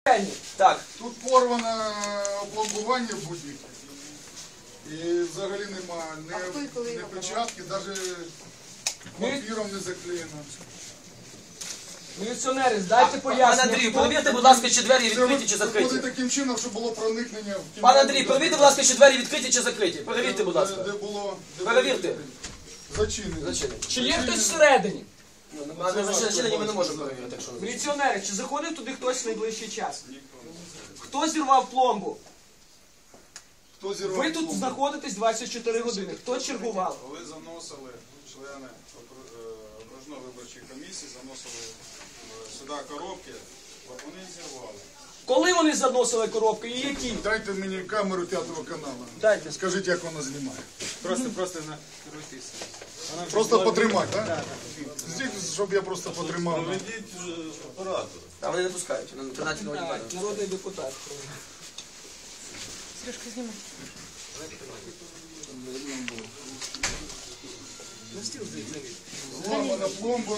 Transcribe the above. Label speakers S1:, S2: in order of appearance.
S1: Так.
S2: Тут порване опломбування в будівлі. І взагалі немає ні печатки, навіть папіром не заклеєно.
S3: Міліціонери, здайте
S1: Пане
S3: пояснення.
S1: Андрію, перевірте, будь ласка, чи двері відкриті чи
S2: Це
S1: закриті.
S2: таким чином, щоб було проникнення в кімнату.
S1: Пане Андрій, перевірте, будь ласка, чи двері відкриті чи закриті. Перевірте, будь ласка.
S2: Де було...
S1: Перевірте.
S2: Зачинені.
S3: Чи є хтось всередині?
S1: А не зачинені ми не можемо перевірити, якщо не
S3: Міліціонери, чи заходив туди хтось в найближчий час? Хто зірвав пломбу?
S2: Хто зірвав
S3: Ви тут
S2: пломбу?
S3: знаходитесь 24 години. Хто чергував?
S4: Коли заносили члени окружної виборчої комісії, заносили сюди коробки, вони зірвали.
S3: Коли вони заносили коробки і які?
S2: Дайте мені камеру 5-го каналу.
S3: Дайте.
S2: Скажіть, як вона знімає.
S5: Просто накеруйтесь.
S2: Просто потримати, так? Щоб я просто потримав.
S1: А вони не пускають, на 13
S3: Так,
S1: годин.
S3: народний депутат.
S2: Зламана пломба.